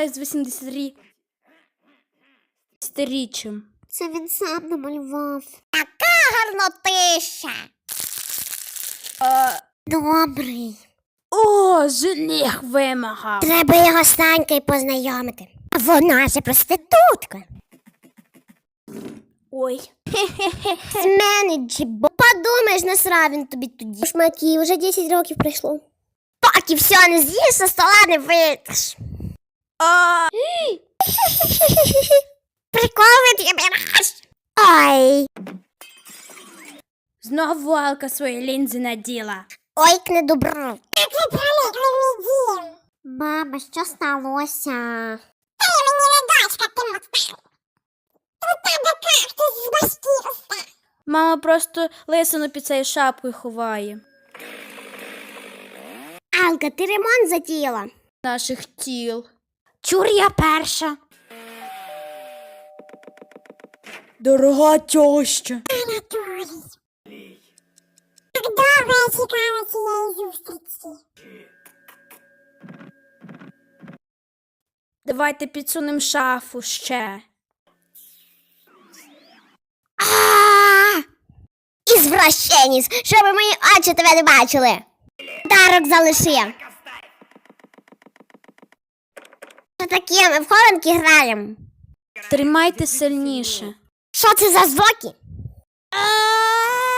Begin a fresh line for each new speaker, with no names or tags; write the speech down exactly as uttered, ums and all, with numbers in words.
вітаю з вісімдесятиріччям.
Це він сам намалював. Така гарнотища.
А...
Добрий.
О, жених вимагав.
Треба його з Танькою познайомити. Вона же проститутка.
Ой.
З мене джибо. Подумаєш, насрав він тобі тоді. Шмаки, вже десять років пройшло. Поки все не з'їш, со стола не вийдеш.
А...
Приколи ти береш. Ой.
Знову Алка свої лінзи наділа.
Ой, к недобро. Мама, що сталося? Та я мені не дочка, ти моцна. У тебе кактус з башкірства.
Мама просто лисину під цією шапкою ховає.
Алка, ти ремонт затіяла?
Наших тіл.
Чур, я перша.
Дорога тьоща.
Анатолій. Так довго я чекала цієї зустрічі.
Давайте підсунемо шафу ще.
Ааа! Ізвращеніс, щоб мої очі тебе не бачили. Дарок залиши. Що таке, ми в хованки граємо?
Тримайте сильніше.
Що це за звуки?